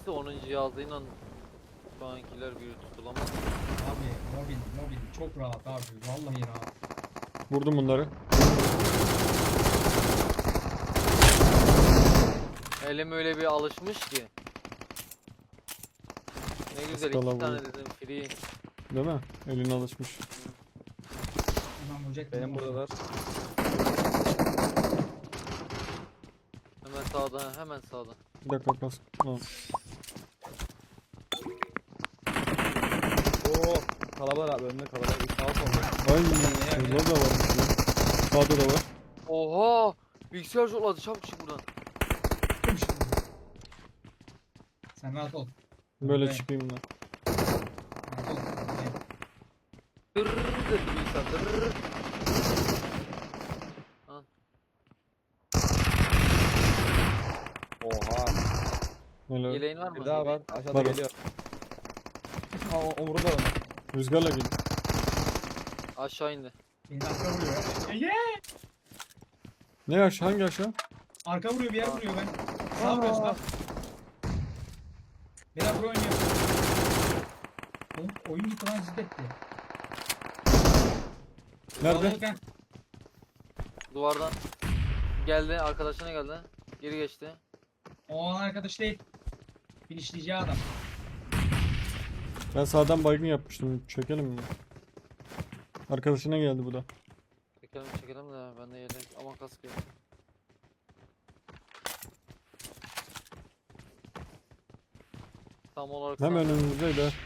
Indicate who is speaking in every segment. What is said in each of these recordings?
Speaker 1: Neyse 10. yazıyla şu ankiler bir tutulamaz.
Speaker 2: Abi mobil çok rahat abi. Vallahi rahat.
Speaker 3: Vurdum bunları.
Speaker 1: Elim öyle bir alışmış ki. Ne güzel
Speaker 3: Skala
Speaker 1: 2 tane
Speaker 3: bu.
Speaker 1: dedim free.
Speaker 3: Değil mi? Elin alışmış.
Speaker 2: Hemen vuracak.
Speaker 4: Benim buradalar.
Speaker 1: Hemen sağda, hemen sağda.
Speaker 3: Bir dakika kas. Tamam.
Speaker 4: Oo, kalabalık abi, önünde kalabalık. Sağ solda.
Speaker 3: Ay şurada da varmış ya. Sağda da var.
Speaker 1: Oha! Bilgisayar zorladı, çabuk çık buradan.
Speaker 2: Sen rahat ol.
Speaker 3: Böyle
Speaker 2: Evet.
Speaker 3: çıkayım ben.
Speaker 2: Rahat ol.
Speaker 1: Dırrrr dedi bilgisayar, dırrrr.
Speaker 4: Oha.
Speaker 3: Böyle
Speaker 1: Yeleğin var mı?
Speaker 4: Bir daha var. Aşağıda
Speaker 3: Var.
Speaker 4: geliyor. Ha, omurda onu.
Speaker 3: rüzgarla gel.
Speaker 1: Aşağı indi.
Speaker 2: Beni arka vuruyor. Ege!
Speaker 3: Ne aşağı? Hangi aşağı?
Speaker 2: Arka vuruyor, bir yer vuruyor ben. Sağ vuruyor sağ. Beyler pro oynuyor. Oğlum oyun gitti lan ziddetti.
Speaker 3: Nerede?
Speaker 1: Duvardan. Geldi, arkadaşına geldi. Geri geçti.
Speaker 2: O an arkadaş değil. Finişleyeceği adam.
Speaker 3: Ben sağdan baygın yapmıştım. Çekelim mi? Arkadaşına geldi bu da.
Speaker 1: Çekelim çekelim de ben de yelek ama kask yok. Tam olarak
Speaker 3: Hemen
Speaker 1: sağda.
Speaker 3: önümüzdeydi. ha.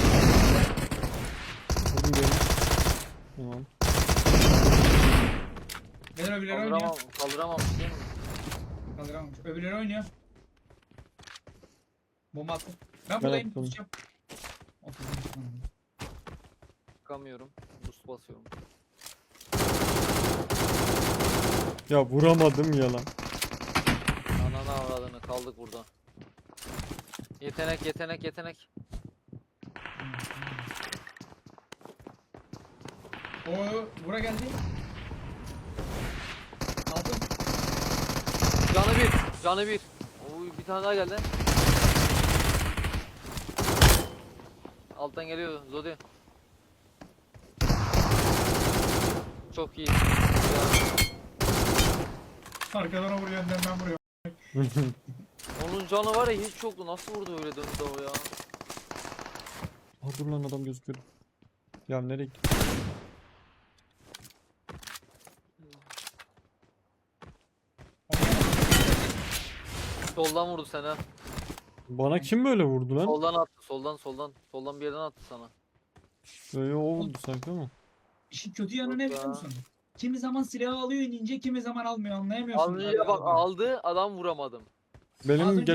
Speaker 3: Vurdum diyelim. Tamam.
Speaker 2: Beyler öbürleri oynuyor.
Speaker 1: Kaldıramamış değil mi?
Speaker 2: Kaldıramamış. Öbürleri oynuyor. Bomba attım. Ben
Speaker 3: Ben
Speaker 2: buradayım.
Speaker 3: attım.
Speaker 2: Tutacağım. Otuz.
Speaker 1: Çıkamıyorum. Boost basıyorum.
Speaker 3: Ya vuramadım ya lan.
Speaker 1: Ananı avradını kaldık burada. Yetenek yetenek yetenek.
Speaker 2: O bura geldi. Aldım.
Speaker 1: Canı bir. Canı bir. Oy, bir tane daha geldi. Alttan geliyor Zodi. Çok iyi.
Speaker 2: Arkadan o vuruyor, önden ben vuruyorum.
Speaker 1: Onun canı var ya hiç yoktu. Nasıl vurdu öyle döndü o ya?
Speaker 3: Aa, dur lan adam gözüküyor. Ya nereye gitti?
Speaker 1: Soldan vurdu sana.
Speaker 3: Bana kim böyle vurdu lan?
Speaker 1: Soldan attı. Soldan. Soldan bir yerden attı sana.
Speaker 3: Böyle o vurdu sanki ama.
Speaker 2: İşin kötü yanı ne
Speaker 1: Yok
Speaker 2: biliyor
Speaker 1: ya.
Speaker 2: musun? Kimi zaman silahı alıyor inince, kimi zaman almıyor, anlayamıyorsun.
Speaker 1: Alınca bak aldı adam vuramadım.
Speaker 3: Benim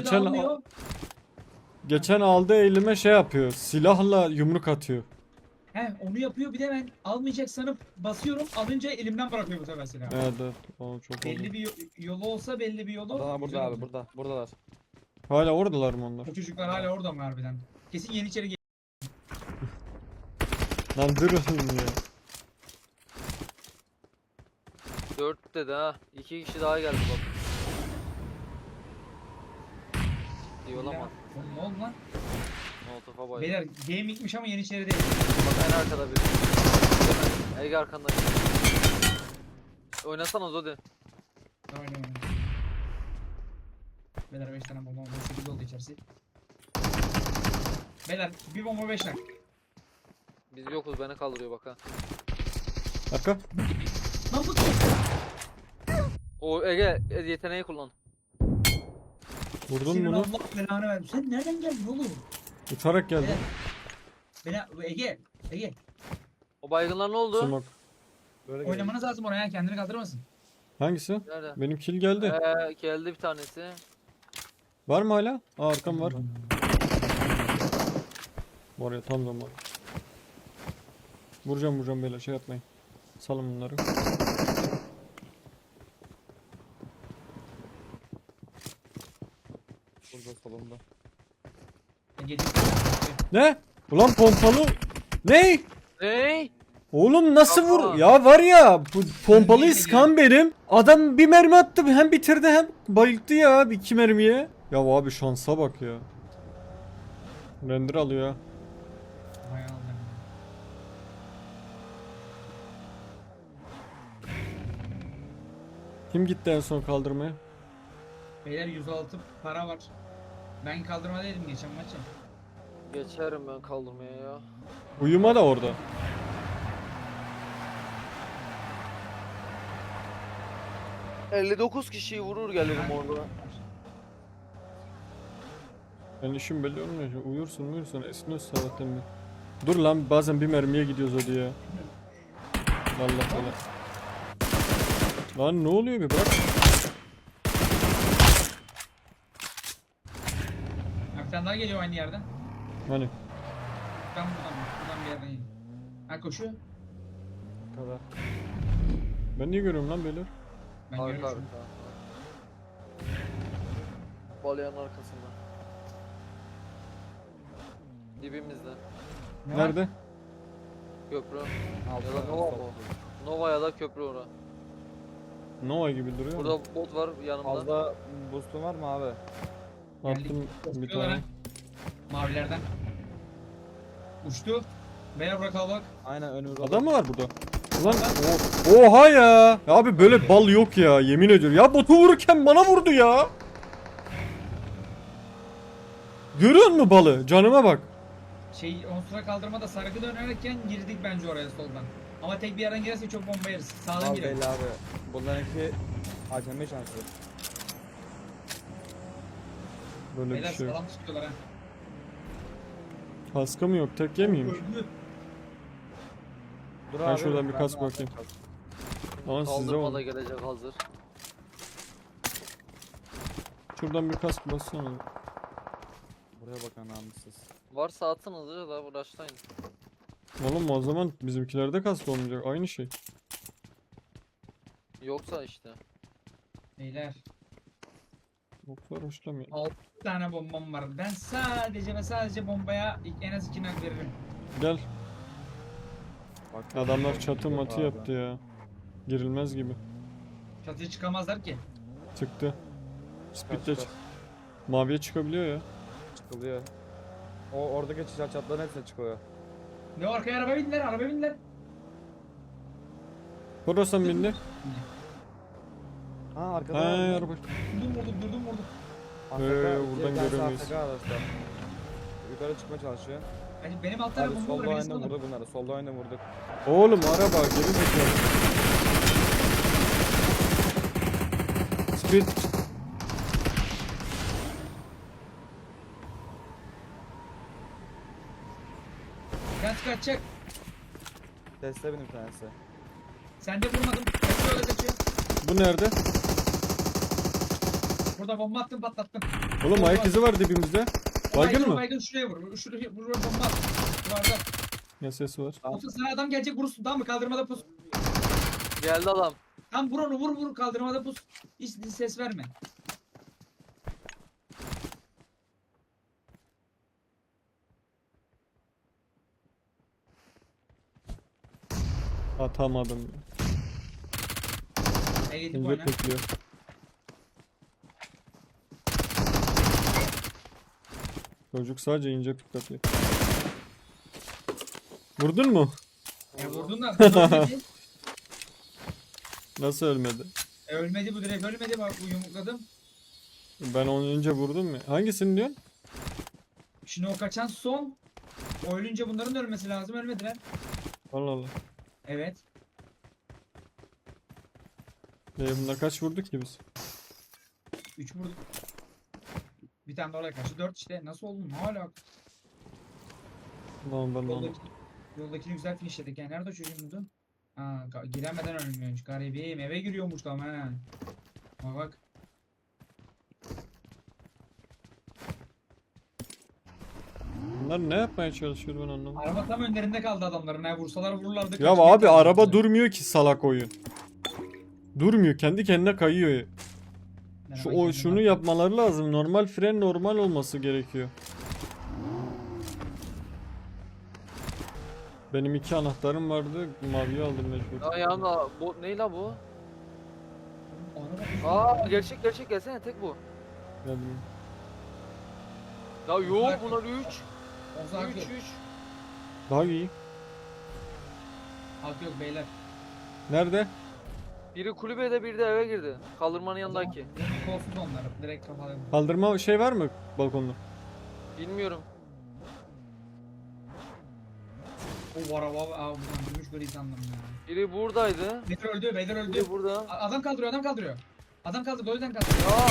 Speaker 3: geçen aldığı elime şey yapıyor. Silahla yumruk atıyor.
Speaker 2: He onu yapıyor, bir de ben almayacak sanıp basıyorum, alınca elimden bırakıyor bu sefer silahı.
Speaker 3: Evet evet. O çok oldu.
Speaker 2: Belli bir yolu olsa belli bir yolu.
Speaker 4: Adamlar
Speaker 2: güzel
Speaker 4: burada abi,
Speaker 2: olur.
Speaker 4: burada. Buradalar.
Speaker 3: Hala oradalar mı onlar?
Speaker 2: O çocuklar hala orada mı harbiden? Kesin Yeniçeri
Speaker 3: Lan durun ya.
Speaker 1: 4 dedi ha. 2 kişi daha geldi bak. İyi olamaz.
Speaker 2: Oğlum ne oldu lan?
Speaker 1: Molotof'a bayıldı.
Speaker 2: Beyler gamingmiş ama Yeniçeri değil.
Speaker 1: Bak en arkada biri. Ege arkanda. Oynasana Zodi.
Speaker 2: Oynuyor. Beyler 5 tane bomba, 8 oldu içerisi. Beyler bir bomba 5 tane.
Speaker 1: Biz yokuz beni kaldırıyor bak ha.
Speaker 3: Arka.
Speaker 2: Lan bu
Speaker 1: O Ege yeteneği kullan.
Speaker 3: Vurdun
Speaker 2: senin
Speaker 3: bunu.
Speaker 2: Allah belanı vermiş. Sen nereden geldin oğlum?
Speaker 3: Uçarak geldi.
Speaker 2: Ege.
Speaker 1: O baygınlar ne oldu?
Speaker 3: Smoke.
Speaker 4: Böyle geliyor.
Speaker 2: Oynamanız lazım oraya, kendini kaldırmasın.
Speaker 3: Hangisi?
Speaker 1: Nerede?
Speaker 3: Benim kill geldi.
Speaker 1: Geldi bir tanesi.
Speaker 3: Var mı hala? Aa arkam var. Var ya tam zaman. Vuracağım beyler şey yapmayın. Salın bunları.
Speaker 4: Burada solunda.
Speaker 2: Ege.
Speaker 3: Ne? Ulan pompalı. Ne?
Speaker 1: Hey!
Speaker 3: Oğlum nasıl
Speaker 1: Yapma.
Speaker 3: vur? Ya var ya bu pompalı
Speaker 2: Niye
Speaker 3: iskan benim. Adam bir mermi attı hem bitirdi hem bayılttı ya iki mermiye. Ya abi şansa bak ya. Render alıyor ha.
Speaker 2: Bayağı aldım.
Speaker 3: Kim gitti en son kaldırmaya?
Speaker 2: Beyler 106 para var. Ben kaldırmadaydım geçen maçı.
Speaker 1: Geçerim ben kaldırmaya ya.
Speaker 3: Uyuma da orada.
Speaker 1: ...59 kişiyi vurur gelirim orada.
Speaker 3: Ben işim belli olmuyor. Uyursun esniyorsun sabahtan beri. Dur lan bazen bir mermiye gidiyoruz hadi ya. Allah Allah. Lan ne oluyor bir bırak.
Speaker 2: Bir tane daha geliyor aynı yerden.
Speaker 3: Hani
Speaker 2: Buradan bir yerden geliyor. Ha koşuyor.
Speaker 4: Kadar.
Speaker 3: ben niye görüyorum lan beyler?
Speaker 2: Ben
Speaker 1: Arka
Speaker 2: görüyorum.
Speaker 1: arka. Balyanın arkasında. Dibimizde.
Speaker 2: Ne var?
Speaker 3: Nerede?
Speaker 1: Köprü.
Speaker 4: Altı.
Speaker 1: Ya da Nova mı? Nova ya da köprü ora.
Speaker 3: Nova gibi duruyor.
Speaker 1: Burada bot var yanımda.
Speaker 4: Fazla boostun var mı abi?
Speaker 3: Attım bir
Speaker 2: Koşuyorlar
Speaker 3: tane.
Speaker 2: ha. Mavilerden. Uçtu. Beyler bırakalım bak.
Speaker 4: Aynen önümüzde.
Speaker 3: Adam mı var burada? Ulan oha ya. Ya abi böyle bal yok ya yemin ediyorum. Ya botu vururken bana vurdu ya. Görüyor musun balı? Canıma bak.
Speaker 2: On sıra kaldırmada sargı dönerken girdik bence oraya soldan. Ama tek bir yerden girerse çok bomba yeriz. Sağdan
Speaker 4: Al
Speaker 2: girelim.
Speaker 4: belli abi. Bunlarınki acemi şansı.
Speaker 3: Böyle bir
Speaker 2: Beyler
Speaker 3: şey yok.
Speaker 2: sağlam çıkıyorlar ha.
Speaker 3: Kaskı mı yok? Tek yemeyeyim.
Speaker 2: Öldü.
Speaker 4: Dur
Speaker 3: Ben şuradan bir kask
Speaker 4: de
Speaker 3: bakayım. Ama sizde
Speaker 1: Kaldırma
Speaker 3: var.
Speaker 1: da gelecek hazır.
Speaker 3: Şuradan bir kask bassana.
Speaker 4: Buraya bakın namussuz.
Speaker 1: Varsa atın hızlıca da uğraşlayın.
Speaker 3: Oğlum o zaman bizimkilerde kask olmayacak. Aynı şey.
Speaker 1: Yoksa işte.
Speaker 2: Beyler
Speaker 3: Boklar hoşlamıyor.
Speaker 2: 6 tane bombam var. Ben sadece bombaya en az 2 nak veririm.
Speaker 3: Gel.
Speaker 4: Bak,
Speaker 3: Adamlar çatı
Speaker 4: yok
Speaker 3: matı
Speaker 4: abi.
Speaker 3: yaptı ya. Girilmez gibi.
Speaker 2: Çatıya çıkamazlar ki.
Speaker 3: Çıktı. Speed de
Speaker 4: Çıkar,
Speaker 3: çık.
Speaker 4: çıkar.
Speaker 3: Maviye çıkabiliyor ya.
Speaker 4: Çıkılıyor. O oradaki çatların hepsine çıkıyor.
Speaker 2: Ne o, arkaya araba bindiler, araba bindiler.
Speaker 3: Korosan bindi.
Speaker 4: Ha arkada
Speaker 3: Ha
Speaker 4: var mı?
Speaker 3: araba.
Speaker 2: Durdum vurdum.
Speaker 4: AFK,
Speaker 3: buradan
Speaker 4: bir tanesi
Speaker 3: göremeyiz.
Speaker 4: AFK arkadaşlar. Yukarı çıkmaya çalışıyor.
Speaker 2: Yani benim alt tarafım
Speaker 4: Abi
Speaker 2: bomba
Speaker 4: solda
Speaker 2: var, birisi
Speaker 4: oyunda
Speaker 2: alın.
Speaker 4: vurdu bunları. Solda oyunda vurduk.
Speaker 3: Oğlum araba geri zekalı. Speed.
Speaker 2: Kaç kaçacak.
Speaker 4: Tesla benim bir tanesi.
Speaker 2: Sen de vurmadın. Kaçıyor öyle kaçıyor.
Speaker 3: Bu nerede?
Speaker 2: Burada bomba attım patlattım.
Speaker 3: Oğlum ayak izi var dibimizde. Baygın mı?
Speaker 2: Baygın şuraya vur. Şuraya vur bomba at. Duvarda.
Speaker 3: Ya ses var.
Speaker 4: Tamam.
Speaker 2: Yoksa sana adam gelecek vurursun, tamam mı? Kaldırmada pus.
Speaker 1: Geldi adam.
Speaker 2: Tam vur onu, vur kaldırmada pus. Hiç ses verme.
Speaker 3: Atamadım.
Speaker 2: Gidip
Speaker 3: İnce
Speaker 2: oyna.
Speaker 3: bekliyor. Çocuk sadece ince pickup'lıyor. Vurdun mu?
Speaker 2: Vurdun da ölmedi.
Speaker 3: Nasıl ölmedi?
Speaker 2: Ölmedi bu, direkt ölmedi, bak bu yumrukladım.
Speaker 3: Ben onu önce vurdum mu? Hangisini diyorsun?
Speaker 2: Şimdi o kaçan son. O ölünce bunların da ölmesi lazım, ölmediler.
Speaker 3: Allah Allah.
Speaker 2: Evet.
Speaker 3: Bunlar kaç vurduk ki biz?
Speaker 2: 3 vurduk. Bir tane de oraya kaçtı. 4 işte. Nasıl oldu? Ne alaka?
Speaker 3: Lan ben onu.
Speaker 2: Yoldakini güzel finishledik. Yani nerede o çocuğun budu? Ha, giremeden ölmüyormuş. Garibim eve giriyormuş tam ha. Bak.
Speaker 3: Bunlar ne yapmaya çalışıyor ben anlamadım.
Speaker 2: Araba tam önlerinde kaldı adamların. Ha, vursalar vururlardı.
Speaker 3: Ya
Speaker 2: kaçmaya
Speaker 3: abi araba
Speaker 2: çalışıyorlar.
Speaker 3: durmuyor ki salak oyun. Durmuyor, kendi kendine kayıyor.
Speaker 2: Yani
Speaker 3: Şu
Speaker 2: bak
Speaker 3: o
Speaker 2: kendine
Speaker 3: şunu
Speaker 2: bak.
Speaker 3: yapmaları lazım. Normal fren normal olması gerekiyor. Benim 2 anahtarım vardı. Maviyi aldım mecbur.
Speaker 1: Ya yanında bu ne la bu?
Speaker 2: Araba
Speaker 1: Aa gerçek gelsene tek bu.
Speaker 3: Geldim.
Speaker 1: Ya yok bunlar 3.
Speaker 2: Olsa hak
Speaker 1: 3
Speaker 2: yok.
Speaker 1: 3.
Speaker 3: Daha iyi.
Speaker 2: Hak yok beyler.
Speaker 3: Nerede?
Speaker 1: Biri kulübede biri de eve girdi. Kaldırmanın yanındaki.
Speaker 2: Kolsuz onlar. Direkt kafalarım.
Speaker 3: Kaldırma şey var mı balkonda?
Speaker 1: Bilmiyorum.
Speaker 2: O var abi. Aa buradan gümüş gri sandım ya.
Speaker 1: Biri buradaydı.
Speaker 2: Beyler öldü. Beyler öldü.
Speaker 1: Biri burada.
Speaker 2: Adam kaldırıyor. Adam kaldırıyor. Adam kaldırdı. O yüzden kaldırıyor.
Speaker 1: Ya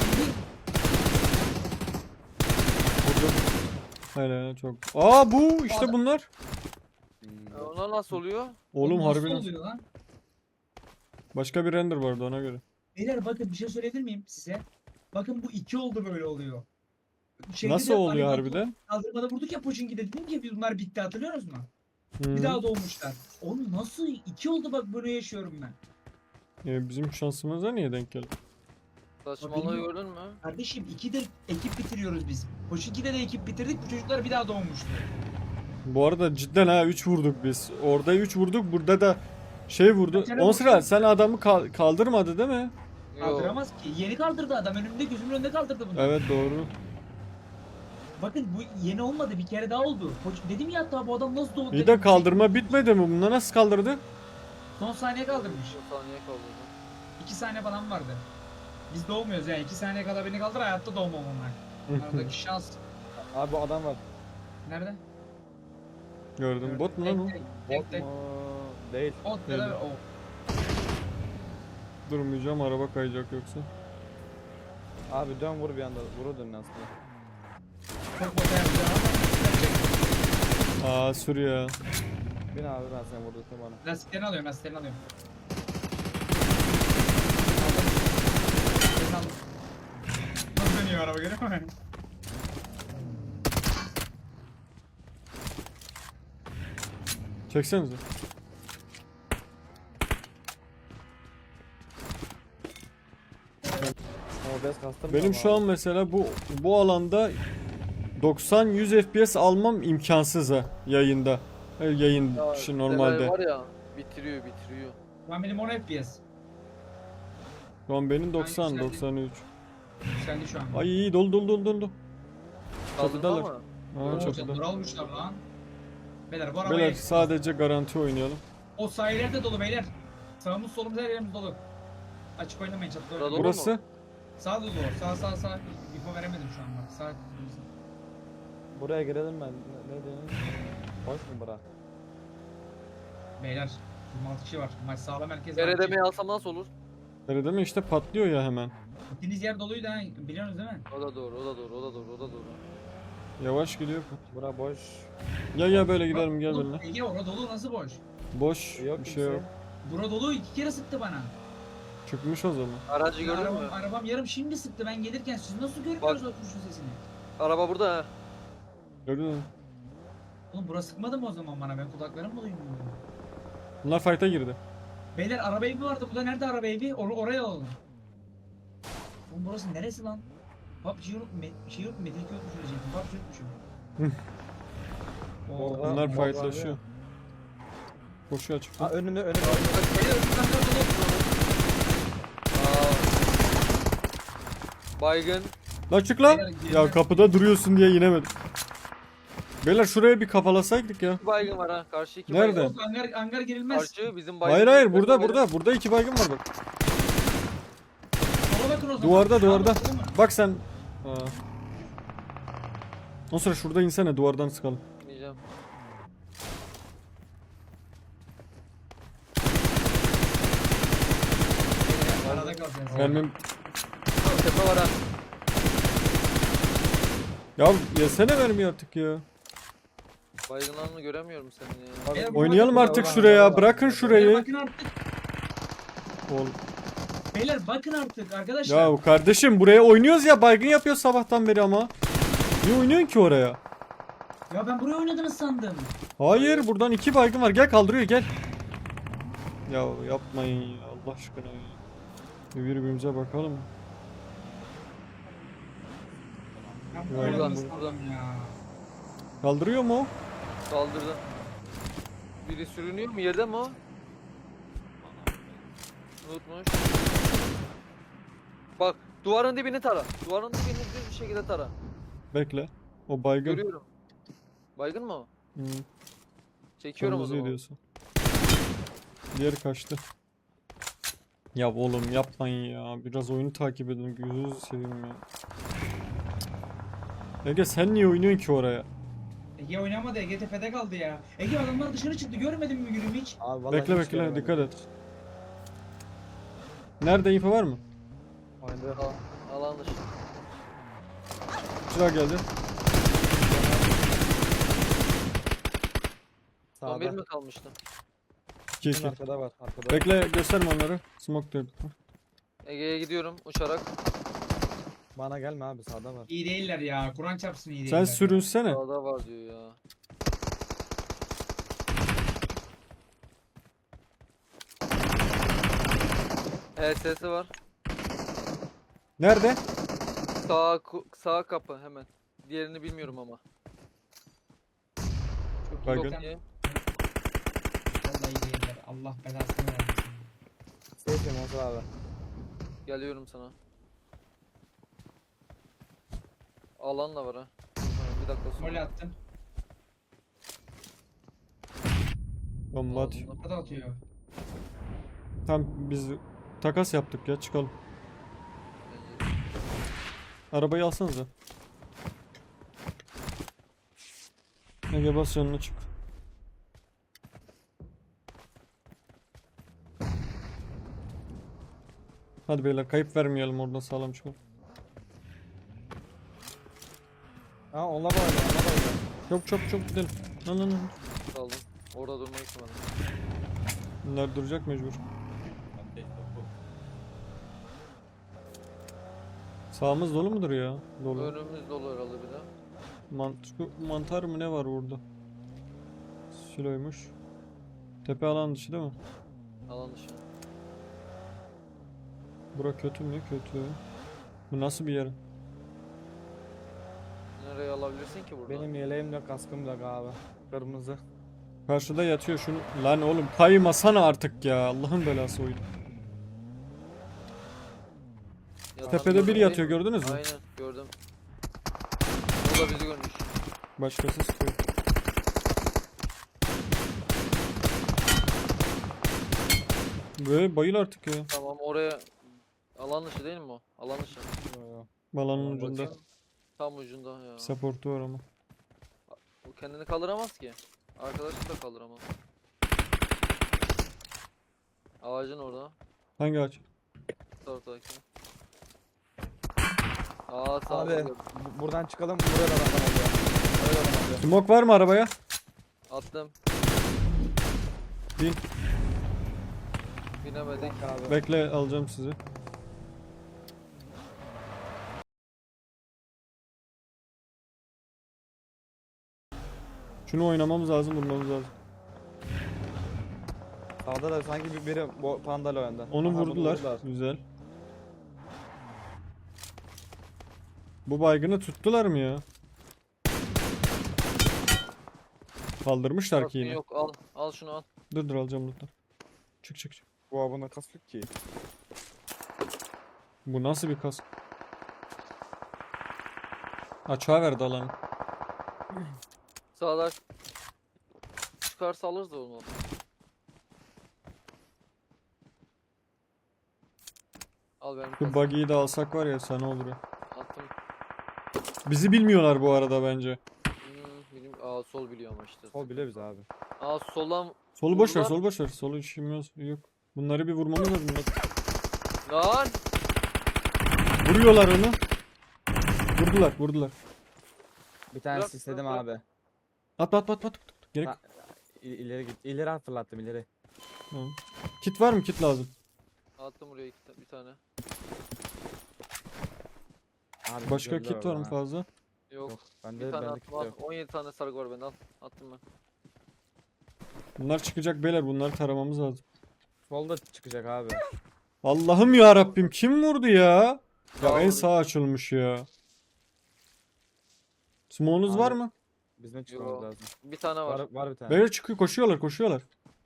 Speaker 3: Vurdum. Hele çok. Aa bu işte
Speaker 2: Adam-
Speaker 3: bunlar.
Speaker 1: onlar nasıl oluyor?
Speaker 3: Oğlum
Speaker 2: Nasıl
Speaker 3: harbiden.
Speaker 2: oluyor lan?
Speaker 3: Başka bir render vardı ona göre.
Speaker 2: Beyler bakın bir şey söyleyebilir miyim size? Bakın bu 2 oldu böyle oluyor. Şeyde
Speaker 3: Nasıl
Speaker 2: de
Speaker 3: oluyor
Speaker 2: hani
Speaker 3: harbiden?
Speaker 2: Kaldırmada vurduk ya Pochinki'de dedim ki bunlar bitti hatırlıyoruz mu?
Speaker 3: Hı.
Speaker 2: Bir daha doğmuşlar. Oğlum nasıl 2 oldu bak bunu yaşıyorum ben.
Speaker 3: Bizim şansımıza niye denk geldi?
Speaker 1: Saçmalığı
Speaker 2: bilmiyorum.
Speaker 1: gördün mü?
Speaker 2: Kardeşim 2'de ekip bitiriyoruz biz. Pochinki'de de ekip bitirdik bu çocuklar bir daha doğmuştu.
Speaker 3: Bu arada cidden ha 3 vurduk biz. Orada 3 vurduk, burada da şey vurdu.
Speaker 2: Bir kere
Speaker 3: 10 sıra
Speaker 2: vurdum.
Speaker 3: sen adamı kaldırmadı değil mi?
Speaker 1: Yok.
Speaker 2: Kaldıramaz ki. Yeni kaldırdı adam önümde gözümün önünde kaldırdı bunu.
Speaker 3: Evet doğru.
Speaker 2: Bakın bu yeni olmadı bir kere daha oldu. Dedim ya hatta bu adam nasıl doğdu?
Speaker 3: İyi
Speaker 2: dedim.
Speaker 3: de kaldırma bitmedi mi? Bunlar nasıl kaldırdı?
Speaker 2: Son saniye kaldırmış.
Speaker 1: Bir saniye kaldı.
Speaker 2: 2 saniye falan vardı. Biz doğmuyoruz yani 2 saniye kadar beni kaldır hayatta doğmam onlar. Aradaki şans.
Speaker 4: Abi bu adam var.
Speaker 2: Nerede?
Speaker 3: Gördüm. Bot mu lan o?
Speaker 4: Bot mu? Değil.
Speaker 2: Ot ya da
Speaker 3: Öyle.
Speaker 2: o.
Speaker 3: Durmayacağım, araba kayacak yoksa.
Speaker 4: Abi dön vur bir anda. Vur dön aslında.
Speaker 2: Çok bota yapacağım ama.
Speaker 3: Aa sür ya.
Speaker 4: Bin abi ben seni vurdurttum bana.
Speaker 2: Lastiklerini alıyorum lastiklerini alıyorum. Aldım. Nasıl dönüyor araba görüyor musun?
Speaker 3: Çeksenize.
Speaker 4: O bez kastırma
Speaker 3: Benim şu an mesela bu alanda 90-100 FPS almam imkansız ha yayında. Yayın
Speaker 1: Ya,
Speaker 3: şu
Speaker 1: Delay
Speaker 3: normalde.
Speaker 1: var ya bitiriyor.
Speaker 2: Şu an benim 10 FPS.
Speaker 3: Şu an benim 90
Speaker 2: yükseldi.
Speaker 3: 93.
Speaker 2: Yükseldi şu an.
Speaker 3: Ay iyi dolu.
Speaker 1: Kaldırma
Speaker 3: Çatıdalar.
Speaker 1: mı?
Speaker 3: Aa
Speaker 2: Oo,
Speaker 3: çatıda.
Speaker 2: çatıları almışlar lan. Beyler bu arabaya...
Speaker 3: Beyler sadece garanti oynayalım.
Speaker 2: O sahiller de dolu beyler. Sağımız solumuz her yerimiz dolu. Açık oynamayın çatıda
Speaker 1: Burada
Speaker 2: oynayın.
Speaker 1: dolu
Speaker 3: Burası
Speaker 1: mu?
Speaker 2: Sağ dolu. Sağ. İfo veremedim şu an bak. Sağ.
Speaker 4: Buraya girelim ben. Ne diyorsun? Boş mu bura?
Speaker 2: Beyler. 26 kişi var. Maç sağlam herkes.
Speaker 1: Deredemeyi alsam nasıl olur?
Speaker 3: öyle deme işte patlıyor ya hemen.
Speaker 2: Gittiğiniz yer doluydu ha. Biliyorsunuz değil mi?
Speaker 1: O da doğru.
Speaker 3: Yavaş gidiyor.
Speaker 4: Bura boş.
Speaker 3: Ya böyle gidelim gel
Speaker 2: Oğlum,
Speaker 3: benimle.
Speaker 2: Ege orada dolu nasıl boş?
Speaker 3: Boş
Speaker 4: Yok
Speaker 3: bir şey
Speaker 4: kimse.
Speaker 3: yok.
Speaker 2: Bura dolu 2 kere sıktı bana.
Speaker 3: Çıkmış o zaman.
Speaker 1: Aracı gördün mü?
Speaker 2: Arabam yarım şimdi sıktı ben gelirken siz nasıl görmüyorsunuz o kuşun sesini?
Speaker 1: Araba burada ha.
Speaker 3: Gördün mü?
Speaker 2: Oğlum burası sıkmadı mı o zaman bana ben kulaklarım mı duymuyorum?
Speaker 3: Bunlar fight'a girdi.
Speaker 2: Beyler araba evi vardı burada nerede araba evi? Oraya alalım. Oğlum burası neresi lan? PUBG yok şey yok Metin 2 yokmuş diyecektim. PUBG yokmuşum.
Speaker 4: Orada-
Speaker 3: Bunlar
Speaker 4: mor var
Speaker 3: fightlaşıyor. Koşuyor açıkta.
Speaker 4: Aa önünde.
Speaker 2: Beyler önümden dolu.
Speaker 1: Aa. Baygın.
Speaker 3: Lan çık lan.
Speaker 2: Beyler,
Speaker 3: Ya
Speaker 2: girdiler.
Speaker 3: kapıda duruyorsun diye inemedim. Beyler şuraya bir kafalasaydık ya.
Speaker 1: 2 baygın var ha. Karşı 2
Speaker 3: Nerede?
Speaker 1: baygın.
Speaker 2: Yok, hangar girilmez.
Speaker 1: Karşı bizim baygın.
Speaker 3: Hayır burada iki baygın var bak.
Speaker 2: Sola bakın o zaman.
Speaker 3: Duvarda,
Speaker 2: Sağa
Speaker 3: duvarda.
Speaker 2: bakın, değil mi?
Speaker 3: Bak sen. Aa. O sıra şurada insene duvardan sıkalım.
Speaker 1: Diyeceğim.
Speaker 2: Arada kalacağız.
Speaker 3: Mermim.
Speaker 1: Tepe var ha.
Speaker 3: Ya yesene mermi artık ya.
Speaker 1: Baygınlarını göremiyorum seni ya.
Speaker 2: Beyler, bu
Speaker 3: Oynayalım
Speaker 2: bakın-
Speaker 3: artık şuraya. Bırakın
Speaker 2: Beyler
Speaker 3: şurayı.
Speaker 2: bakın artık.
Speaker 3: Oğlum.
Speaker 2: Beyler bakın artık arkadaşlar.
Speaker 3: Ya kardeşim buraya oynuyoruz ya, baygın yapıyor sabahtan beri ama. Niye oynuyorsun ki oraya?
Speaker 2: Ya ben buraya oynadınız sandım.
Speaker 3: Hayır, buradan iki baygın var. Gel kaldırıyor gel. Ya yapmayın ya Allah aşkına ya. Bir birbirimize bakalım.
Speaker 2: Ben
Speaker 3: Ya,
Speaker 2: buraya oynadınız
Speaker 1: buradan.
Speaker 2: sandım ya.
Speaker 3: Kaldırıyor mu o?
Speaker 1: Saldırdı. Biri sürünüyor mu? Yerde mi o? Unutmuş. Bak duvarın dibini tara. Duvarın dibini düz bir şekilde tara.
Speaker 3: Bekle. O baygın.
Speaker 1: Görüyorum. Baygın mı o?
Speaker 3: Hı.
Speaker 1: Çekiyorum o
Speaker 3: Kırmızı
Speaker 1: zaman.
Speaker 3: diyorsun. Diğeri kaçtı. Ya oğlum yapmayın ya. Biraz oyunu takip edin. Gözünüzü seveyim ya. Ege sen niye oynuyorsun ki oraya?
Speaker 2: Ege oynamadı. Ege tepede kaldı ya. Ege adamlar dışarı çıktı. Görmedin mi yürüyüm hiç?
Speaker 4: Abi vallahi
Speaker 3: Bekle
Speaker 4: hiç
Speaker 3: bekle
Speaker 4: görmedim.
Speaker 3: dikkat et. Nerede info var mı?
Speaker 4: Oyunda.
Speaker 1: Alan dışı.
Speaker 3: Çırak geldi.
Speaker 1: Son bir
Speaker 4: Sağda.
Speaker 1: mi kalmıştı?
Speaker 3: 2-2.
Speaker 4: Arkada var. Arkada.
Speaker 3: Bekle gösterme onları. Smoke diyor.
Speaker 1: Ege'ye gidiyorum uçarak.
Speaker 4: Bana gelme abi, sağda var.
Speaker 2: İyi değiller ya. Kur'an çarpsın iyi
Speaker 3: Sen
Speaker 2: değiller.
Speaker 3: sürünsene.
Speaker 1: Sağda var diyor ya. HS'si var.
Speaker 3: Nerede?
Speaker 1: Sağ kapı hemen. Diğerini bilmiyorum ama. Çok iyi
Speaker 3: Baygın.
Speaker 1: bakayım.
Speaker 2: Vallahi iyi değiller. Allah belasını versin.
Speaker 4: Seyfim olsun abi.
Speaker 1: Geliyorum sana. Alan da var ha. Bir dakika
Speaker 2: Mole
Speaker 1: sonra.
Speaker 2: attım.
Speaker 3: Bomba atıyor.
Speaker 1: Ağzımda-
Speaker 2: Orada atıyor.
Speaker 3: Tamam biz takas yaptık ya çıkalım. Arabayı alsanıza. Ege bas yanına çık. Hadi beyler kayıp vermeyelim oradan sağlam çıkalım.
Speaker 4: Ha onlar da oynuyor. Onlar da oynuyor.
Speaker 3: Çok çok çok gidelim. Lan.
Speaker 1: Aldım. Orada durmayı istemedim.
Speaker 3: Bunlar duracak mecbur. Sağımız dolu mudur ya? Dolu.
Speaker 1: Önümüz dolu herhalde bir de.
Speaker 3: Mantar mı ne var burada? Siloymuş. Tepe alan dışı değil mi?
Speaker 1: Alan dışı.
Speaker 3: Bura kötü mü? Kötü. Bu nasıl bir yer?
Speaker 1: Nereye alabilirsin ki burada?
Speaker 4: Benim yeleğim de kaskım da abi. Kırmızı.
Speaker 3: Karşıda yatıyor şunu. Lan oğlum kaymasana artık ya. Allah'ın belası oydu.
Speaker 1: Yatan
Speaker 3: Tepede
Speaker 1: gördüm
Speaker 3: biri
Speaker 1: değil
Speaker 3: yatıyor
Speaker 1: mi?
Speaker 3: gördünüz mü?
Speaker 1: Aynen gördüm. O da bizi görmüş.
Speaker 3: Başkası sıkıyor. Böyle bayıl artık ya.
Speaker 1: Tamam oraya alan dışı değil mi o? Alan dışı.
Speaker 4: Yo, yo.
Speaker 3: Balanın
Speaker 4: Tamam,
Speaker 3: ucunda.
Speaker 1: Bakayım. Tam ucunda ya.
Speaker 3: Supportu var ama.
Speaker 1: O kendini kaldıramaz ki. Arkadaşı da kaldıramaz. Ağacın orada.
Speaker 3: Hangi ağaç?
Speaker 1: Taraftaki. Aa sağ
Speaker 4: Abi
Speaker 1: gördüm.
Speaker 4: buradan çıkalım. Buraya da adam oluyor. Buraya da adam oluyor.
Speaker 3: Smoke var mı arabaya?
Speaker 1: Attım.
Speaker 3: Bin.
Speaker 1: Binemedik.
Speaker 4: Abi.
Speaker 3: Bekle alacağım sizi. Şunu oynamamız lazım, vurmamız lazım.
Speaker 4: Sağda da sanki biri bu pandayla oyunda.
Speaker 3: Onu
Speaker 4: Aha, bunu
Speaker 3: vurdular. Güzel. Bu baygını tuttular mı ya? Kaldırmışlar ki
Speaker 1: Kaskın
Speaker 3: yine.
Speaker 1: yok al. Al şunu al.
Speaker 3: Dur alacağım lütfen. Çık çık çık.
Speaker 4: Bu abone kask yok ki.
Speaker 3: Bu nasıl bir kask? Açığa verdi alanı.
Speaker 1: Sağda çıkarsa alırız da onu. Al benim
Speaker 3: Bu
Speaker 1: kaskımı.
Speaker 3: buggy'yi de alsak var ya sana olur ya.
Speaker 1: Attım.
Speaker 3: Bizi bilmiyorlar bu arada bence.
Speaker 1: Aa sol biliyor ama işte.
Speaker 4: Sol bile biz abi.
Speaker 1: Aa soldan
Speaker 3: Solu boş ver,
Speaker 1: Vurdular.
Speaker 3: solu boş ver. Solu işimiz yok. Bunları bir vurmamız lazım.
Speaker 1: lan.
Speaker 3: Vuruyorlar onu. Vurdular, vurdular.
Speaker 4: Bir tanesi
Speaker 1: Bırak,
Speaker 4: istedim
Speaker 1: bırak,
Speaker 4: abi.
Speaker 3: At. Gerek.
Speaker 4: Ha, ileri git. İleri fırlattım ileri.
Speaker 3: Tamam. Kit var mı? Kit lazım.
Speaker 1: Attım buraya bir tane.
Speaker 4: Abi
Speaker 3: Başka
Speaker 4: güzeller
Speaker 3: kit var mı
Speaker 4: orada ha.
Speaker 3: fazla?
Speaker 1: Yok.
Speaker 4: Yok.
Speaker 1: Bir
Speaker 4: Bende
Speaker 1: tane
Speaker 4: bende kit
Speaker 1: attım al.
Speaker 4: yok.
Speaker 1: 17 tane sargı var bende al. Attım ben.
Speaker 3: Bunlar çıkacak beyler. Bunları taramamız lazım.
Speaker 4: Solda çıkacak abi.
Speaker 3: Allah'ım ya Rabbim kim vurdu ya?
Speaker 1: Sağ
Speaker 3: Ya en
Speaker 1: vurdu.
Speaker 3: sağ açılmış ya. Smoke'unuz var
Speaker 4: Abi,
Speaker 3: mı?
Speaker 4: Bizim çıkmamız
Speaker 1: Yo.
Speaker 4: lazım.
Speaker 1: Bir tane var.
Speaker 4: Var bir tane.
Speaker 3: Beyler çıkıyor, koşuyorlar.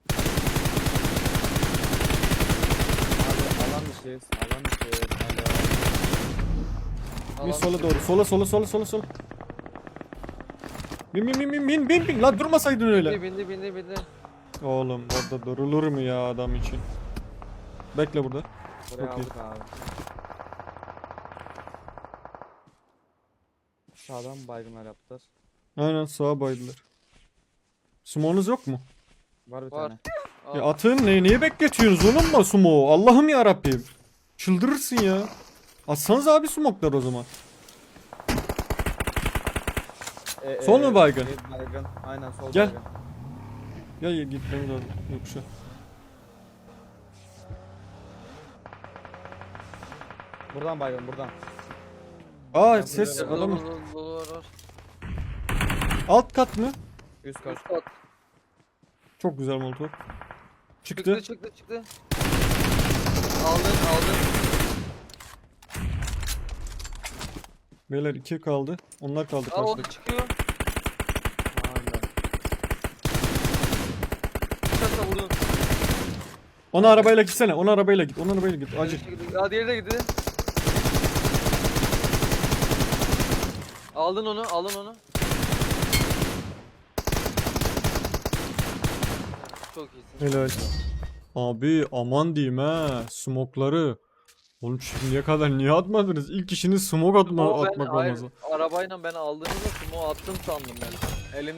Speaker 4: Abi alan dışıyız. Alan dışıyız. Alo.
Speaker 3: Bir
Speaker 1: Alan
Speaker 3: sola
Speaker 1: dışı.
Speaker 3: doğru. Sola. Bir Bin. Lan durmasaydın öyle.
Speaker 1: Bindi.
Speaker 3: Oğlum orada durulur mu ya adam için? Bekle burada.
Speaker 4: Buraya
Speaker 3: Çok iyi.
Speaker 4: aldık abi. Sağdan baygınlar yaptılar.
Speaker 3: Aynen sağa baydılar. Sumonuz yok mu?
Speaker 4: Var bir
Speaker 1: Var.
Speaker 4: tane.
Speaker 3: Ya
Speaker 1: Aa,
Speaker 3: atın niye bekletiyorsunuz oğlum mu sumo? Allah'ım ya Rabbim. Çıldırırsın ya. Atsanız abi smoklar o zaman. Sol mu baygın?
Speaker 4: Baygın. Aynen sol
Speaker 3: Gel.
Speaker 4: baygın.
Speaker 3: Ya gitmemiz lazım. Yok şu.
Speaker 4: Buradan baygın buradan.
Speaker 3: Aa
Speaker 4: Ben
Speaker 3: ses
Speaker 4: burada-
Speaker 3: adamı.
Speaker 1: Var.
Speaker 3: Alt kat mı?
Speaker 4: Üst kat.
Speaker 1: Üst kat.
Speaker 3: Çok güzel molotov. Çıktı.
Speaker 1: Çıktı. Aldın.
Speaker 3: Beyler 2 kaldı. Onlar kaldı
Speaker 1: Aa o da
Speaker 3: karşıda.
Speaker 1: çıkıyor.
Speaker 4: Aynen.
Speaker 1: Çıkarsa vurdun.
Speaker 3: Onu arabayla gitsene. Onu arabayla git. Acil.
Speaker 1: Aa diğeri de gitti. Aldın onu. Çok iyisin.
Speaker 3: Helal. Abi aman diyeyim ha. Smokları. Oğlum şimdiye kadar niye atmadınız? İlk işiniz smoke
Speaker 1: O ben
Speaker 3: atmak
Speaker 1: hayır,
Speaker 3: olması.
Speaker 1: arabayla ben aldığınızda sumo attım sandım ben. Elimde